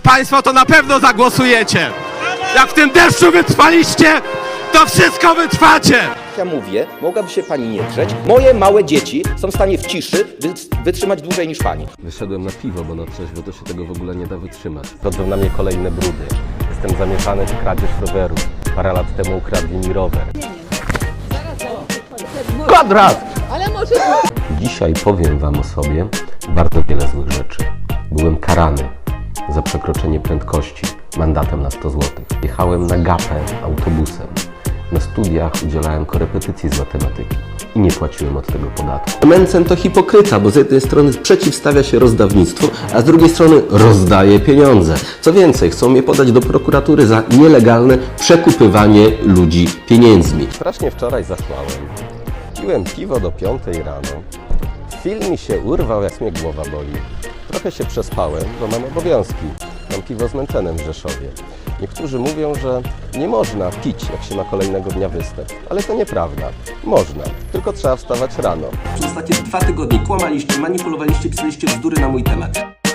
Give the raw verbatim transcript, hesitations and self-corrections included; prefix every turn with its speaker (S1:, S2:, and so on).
S1: państwo to na pewno zagłosujecie. Jak w tym deszczu wytrwaliście, to wszystko wytrwacie.
S2: Ja mówię, mogłaby się pani nie drzeć. Moje małe dzieci są w stanie w ciszy wy- wytrzymać dłużej niż pani.
S3: Wyszedłem na piwo, bo na trzeźwo to się tego w ogóle nie da wytrzymać. Chodzą na mnie kolejne brudy. Jestem zamieszany w kradzież roweru. Parę lat temu ukradli mi rower. Kwadrat!
S4: Ale może...
S3: Dzisiaj powiem wam o sobie bardzo wiele złych rzeczy. Byłem karany za przekroczenie prędkości mandatem na sto złotych. Jechałem na gapę autobusem. Na studiach udzielałem korepetycji z matematyki i nie płaciłem od tego podatku. Mencen to hipokryta, bo z jednej strony przeciwstawia się rozdawnictwu, a z drugiej strony rozdaje pieniądze. Co więcej, chcą mnie podać do prokuratury za nielegalne przekupywanie ludzi pieniędzmi. Strasznie wczoraj zachłałem. Piłem piwo do piątej rano. Film mi się urwał, jak mnie głowa boli. Trochę się przespałem, bo mam obowiązki. Mam piwo z Mencenem w Rzeszowie. Niektórzy mówią, że nie można pić, jak się ma kolejnego dnia występ. Ale to nieprawda. Można, tylko trzeba wstawać rano. Przez ostatnie dwa tygodnie kłamaliście, manipulowaliście, pisaliście bzdury na mój temat.